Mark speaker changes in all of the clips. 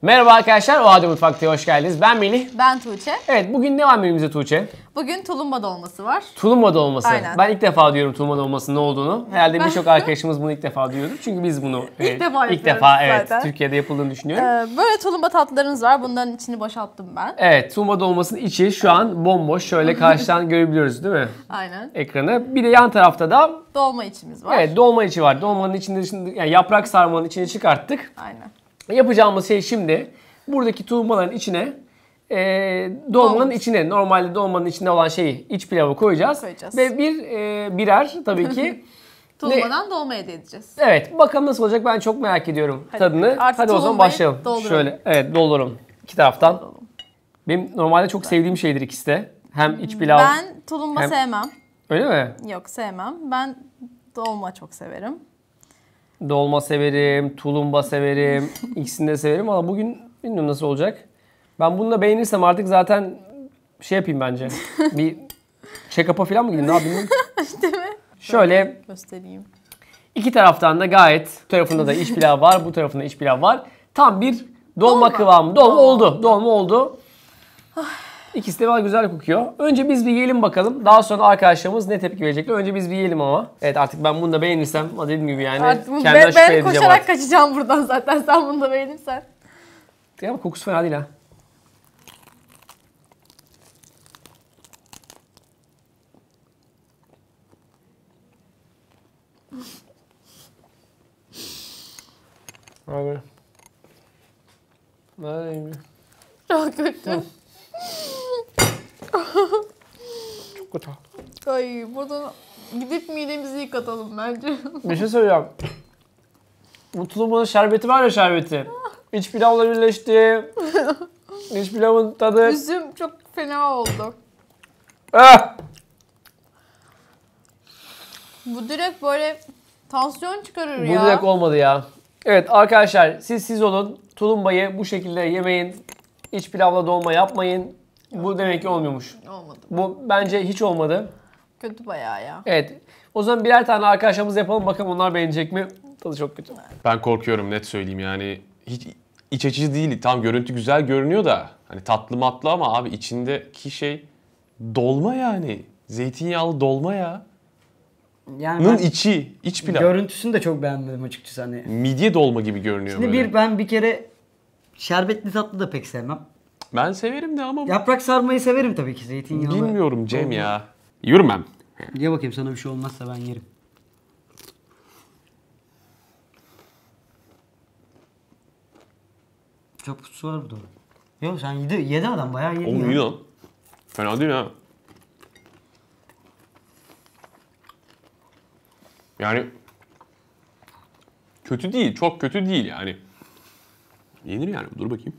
Speaker 1: Merhaba arkadaşlar, O Halde Mutfak'ta hoş geldiniz. Ben Melih.
Speaker 2: Ben Tuğçe.
Speaker 1: Evet, bugün ne var menümüzde Tuğçe?
Speaker 2: Bugün tulumba dolması var.
Speaker 1: Tulumba dolması.
Speaker 2: Aynen.
Speaker 1: Ben ilk defa diyorum tulumba dolmasının ne olduğunu. Herhalde birçok arkadaşımız bunu ilk defa duyuyordur. Çünkü biz bunu
Speaker 2: ilk defa
Speaker 1: evet,
Speaker 2: zaten.
Speaker 1: Türkiye'de yapıldığını düşünüyorum.
Speaker 2: Böyle tulumba tatlılarımız var. Bunların içini boşalttım ben.
Speaker 1: Evet, tulumba dolmasının içi şu an bomboş. Şöyle karşıdan görebiliyoruz değil mi?
Speaker 2: Aynen.
Speaker 1: Ekranı. Bir de yan tarafta da
Speaker 2: Dolma içimiz var.
Speaker 1: evet, dolma içi var. Dolmanın içinde şimdi yani yaprak sarmanın içini çıkarttık.
Speaker 2: Aynen.
Speaker 1: Yapacağımız şey şimdi buradaki tulumbaların içine dolmanın içine, normalde dolmanın içinde olan şeyi, iç pilavı koyacağız. Ve birer tabii ki
Speaker 2: tulumbadan dolma elde edeceğiz.
Speaker 1: Evet, bakalım nasıl olacak, ben çok merak ediyorum tadını. Hadi o zaman başlayalım.
Speaker 2: Dolduralım.
Speaker 1: Şöyle, evet, dolduralım iki taraftan. Benim normalde çok sevdiğim şeydir ikisi de. Hem iç pilav.
Speaker 2: Ben tulumba sevmem.
Speaker 1: Öyle mi?
Speaker 2: Yok, sevmem. Ben dolma çok severim.
Speaker 1: Dolma severim, tulumba severim, ikisini de severim ama bugün bilmiyorum nasıl olacak. Ben bunu da beğenirsem artık zaten şey yapayım bence. Bir check-up'a falan mı gideyim, ne yapayım?
Speaker 2: Değil mi?
Speaker 1: Şöyle
Speaker 2: göstereyim.
Speaker 1: İki taraftan da gayet, bu tarafında da iç pilav var, bu tarafında iç pilav var. Tam bir dolma kıvamı. Dolma oldu. İkisi de güzel kokuyor. Önce biz bir yiyelim bakalım. Daha sonra arkadaşlarımız ne tepki verecekler. Önce biz bir yiyelim ama. Evet, artık ben bunu da beğenirsem, dediğim gibi yani
Speaker 2: Artık
Speaker 1: kendimden şüphe
Speaker 2: ben
Speaker 1: edeceğim
Speaker 2: koşarak
Speaker 1: artık.
Speaker 2: kaçacağım buradan zaten sen bunu da beğenirsen.
Speaker 1: Ama kokusu fena değil ha. Abi. Nerede?
Speaker 2: Çok kötü.
Speaker 1: Çok kötü.
Speaker 2: Ay, buradan gidip midemizi yıkatalım bence.
Speaker 1: Bir şey söyleyeceğim. Bu tulumunun şerbeti var ya, şerbeti. İç pilavla birleşti. İç pilavın tadı.
Speaker 2: Üzüm çok fena oldu.
Speaker 1: Ah!
Speaker 2: Bu direkt böyle tansiyon çıkarır
Speaker 1: Bu
Speaker 2: ya.
Speaker 1: direkt olmadı ya. Evet arkadaşlar, siz olun. Tulumbayı bu şekilde yemeyin. İç pilavla dolma yapmayın. Bu demek ki olmuyormuş.
Speaker 2: Olmadı.
Speaker 1: Bu bence hiç olmadı.
Speaker 2: Kötü bayağı ya.
Speaker 1: Evet. O zaman birer tane arkadaşlarımız yapalım. Bakalım onlar beğenecek mi? Tadı çok kötü.
Speaker 3: Ben korkuyorum, net söyleyeyim yani. Hiç iç açıcı değil. Tam görüntü güzel görünüyor da. Hani tatlı matlı ama abi içindeki şey dolma yani. Zeytinyağlı dolma ya.
Speaker 4: Yani
Speaker 3: Nın içi, iç pilav.
Speaker 4: görüntüsünü de çok beğenmedim açıkçası hani.
Speaker 3: Midye dolma gibi görünüyor
Speaker 4: Şimdi
Speaker 3: böyle.
Speaker 4: ben bir kere şerbetli tatlı da pek sevmem.
Speaker 3: Ben severim de ama
Speaker 4: Yaprak sarmayı severim tabii ki, zeytinyağlı.
Speaker 3: bilmiyorum Cem
Speaker 4: dolma.
Speaker 3: ya. Yiyorum ben.
Speaker 4: Ye bakayım, sana bir şey olmazsa ben yerim. Çok su var burada. Yok, sen yedi adam, bayağı yedi
Speaker 3: Oğlum
Speaker 4: ya.
Speaker 3: iyi lan. Fena değil ha. Yani kötü değil, çok kötü değil yani. Yenir yani, dur bakayım.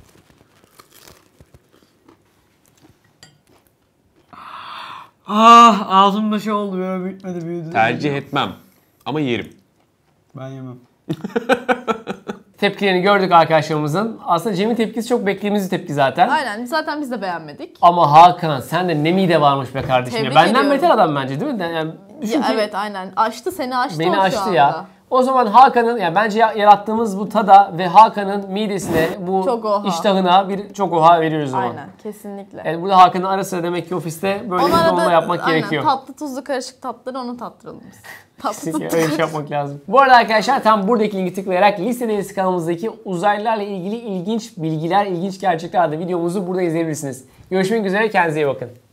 Speaker 4: Ah, ağzımda şey oldu ya, bitmedi, büyüdü.
Speaker 3: Tercih etmem ama yerim.
Speaker 4: Ben yemem.
Speaker 1: Tepkilerini gördük arkadaşlarımızın. Aslında Cem'in tepkisi çok beklediğimiz bir tepki zaten.
Speaker 2: Aynen, zaten biz de beğenmedik.
Speaker 1: Ama Hakan, sen de ne mide varmış be kardeşim ya.
Speaker 2: Tebrik
Speaker 1: Benden
Speaker 2: ediyorum.
Speaker 1: beter adam bence, değil mi? Yani
Speaker 2: Ya, evet aynen. Seni aştı
Speaker 1: beni
Speaker 2: o şu
Speaker 1: aştı
Speaker 2: anda.
Speaker 1: ya. O zaman Hakan'ın, yani bence yarattığımız bu tada ve Hakan'ın midesine, bu
Speaker 2: Çok oha.
Speaker 1: iştahına bir çok oha veriyoruz o zaman.
Speaker 2: Aynen, kesinlikle.
Speaker 1: Yani burada Hakan'ın ara sıra demek ki ofiste böyle bir dolma yapmak gerekiyor.
Speaker 2: Tatlı tuzlu karışık tatları onu tattıralım biz. Tatlı
Speaker 1: Öyle bir
Speaker 2: tuzlu.
Speaker 1: şey yapmak lazım. Bu arada arkadaşlar, tam buradaki linki tıklayarak listedeniz kanalımızdaki uzaylılarla ilgili ilginç bilgiler, ilginç gerçekler adlı videomuzu burada izleyebilirsiniz. Görüşmek üzere, kendinize iyi bakın.